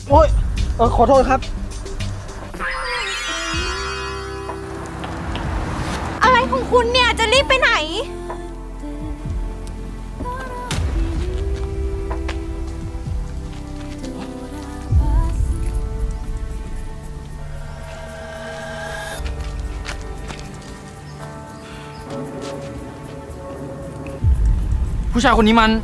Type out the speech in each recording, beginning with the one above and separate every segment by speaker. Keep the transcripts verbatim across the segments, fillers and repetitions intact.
Speaker 1: โอ้ยเออขอโทษครับ
Speaker 2: อะไรของคุณเนี่ยจะรีบไปไหน
Speaker 1: ผู้ชายคนนี้มัน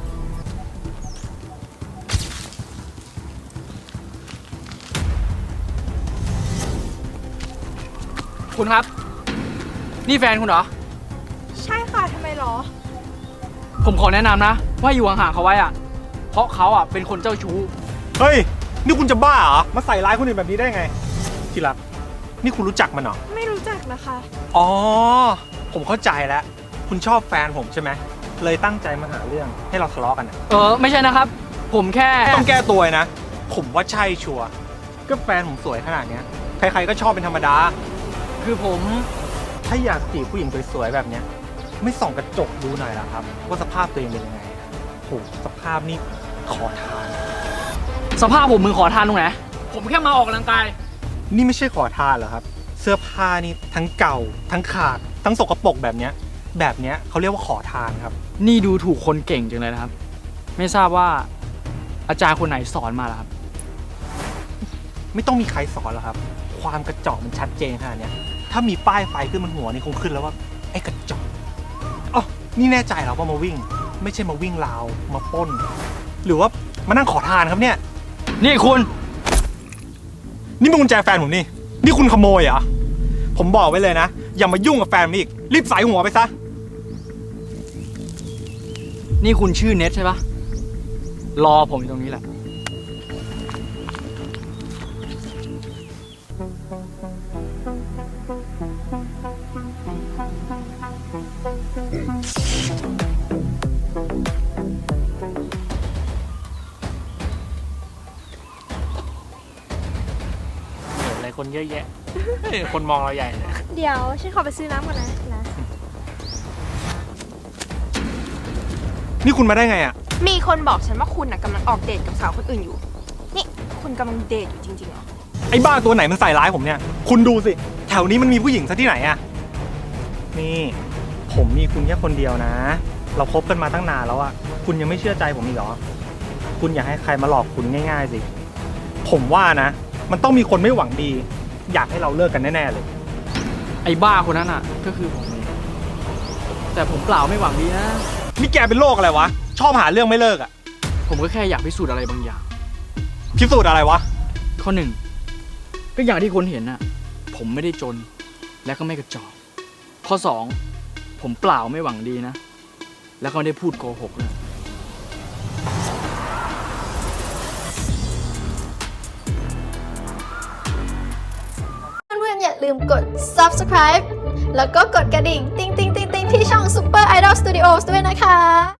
Speaker 1: คุณครับนี่แฟนคุณเหรอ
Speaker 2: ใช่ค่ะทำไมหรอ
Speaker 1: ผมขอแนะนำนะว่าอยู่ห่างๆเขาไว้อะเพราะเขาอะเป็นคนเจ้าชู้
Speaker 3: เฮ้ยนี่คุณจะบ้าเหรอมาใส่ร้ายคนอื่นแบบนี้ได้ไงที่รักนี่คุณรู้จักมันเหรอ
Speaker 2: ไม่รู้จักนะคะ
Speaker 3: อ๋อผมเข้าใจแล้วคุณชอบแฟนผมใช่ไหมเลยตั้งใจมาหาเรื่องให้เราทะเลาะกันนะ
Speaker 1: เออไม่ใช่นะครับผมแค่
Speaker 3: ต้องแก้ตัวนะผมว่าใช่ชัวร์ก็แฟนผมสวยขนาดเนี้ยใครๆก็ชอบเป็นธรรมดา
Speaker 1: คือผม
Speaker 3: ถ้าอยากจีบผู้หญิงสวยๆแบบเนี้ยไม่ส่องกระจกดูหน่อยล่ะครับว่าสภาพตัวเองเป็นยังไงโหสภาพนี่ขอทาน
Speaker 1: สภาพผมมือขอทานตรงไหนผมแค่มาออกกำลังกาย
Speaker 3: นี่ไม่ใช่ขอทานเหรอครับเสื้อผ้านี่ทั้งเก่าทั้งขาดทั้งสกปรกแบบเนี้ยแบบเนี้ยเขาเรียกว่าขอทานครับ
Speaker 1: นี่ดูถูกคนเก่งจังเลยนะครับไม่ทราบว่าอาจารย์คนไหนสอนมาล่ะครับ
Speaker 3: ไม่ต้องมีใครสอนหรอกครับความกระจอกมันชัดเจนขนาดนี้ถ้ามีป้ายไฟขึ้นบนหัวนี่คงขึ้นแล้วว่าไอ้กระจอกอ๋อนี่แน่ใจเหรอว่ามาวิ่งไม่ใช่มาวิ่งราวมาปล้นหรือว่ามานั่งขอทานครับเนี่ย
Speaker 1: นี่คุณ
Speaker 3: นี่มันกุญแจแฟนผมนี่นี่คุณขโมยเหรอผมบอกไว้เลยนะอย่ามายุ่งกับแฟนผมอีกรีบใส่หัวไปซะ
Speaker 1: นี่คุณชื่อเน็ตใช่ปะรอผมอยู่ตรงนี้แหละอะไรคนเยอะแยะคนมองเราใหญ่เลย
Speaker 2: เดี๋ยวฉันขอไปซื้อน้ำก่อนนะนะ
Speaker 3: นี่คุณมาได้ไงอ่ะ
Speaker 2: มีคนบอกฉันว่าคุณน่ะกำลังออกเดทกับสาวคนอื่นอยู่นี่คุณกำลังเดทอยู่จริงๆเหรอ
Speaker 3: ไอ้บ้าตัวไหนมันใส่ร้ายผมเนี่ยคุณดูสิแถวนี้มันมีผู้หญิงซะที่ไหนอ่ะนี่ผมมีคุณแค่คนเดียวนะเราคบกันมาตั้งนานแล้วอ่ะคุณยังไม่เชื่อใจผมอีกเหรอคุณอยากให้ใครมาหลอกคุณง่ายๆสิผมว่านะมันต้องมีคนไม่หวังดีอยากให้เราเลิกกันแน่ๆเลย
Speaker 1: ไอ้บ้าคนนั้นอ่ะก็คือผมเองแต่ผมเปล่าไม่หวังดีนะ
Speaker 3: นี่แกเป็นโรคอะไรวะชอบหาเรื่องไม่เลิกอ่ะ
Speaker 1: ผมก็แค่อยากพิสูจน์อะไรบางอย่าง
Speaker 3: พิสูจน์อะไรวะ
Speaker 1: ข้อหนึ่งก็อย่างที่คุณเห็นน่ะผมไม่ได้จนและก็ไม่กระจอกข้อสองผมเปล่าไม่หวังดีนะแล้วก็ไม่ได้พูดโกหกเลย
Speaker 4: เพื่อนๆอย่าลืมกด ซับสไครบ์ แล้วก็กดกระดิ่งติ๊งติ๊งติ๊งติ๊งที่ช่อง Super Idol Studios ด้วยนะคะ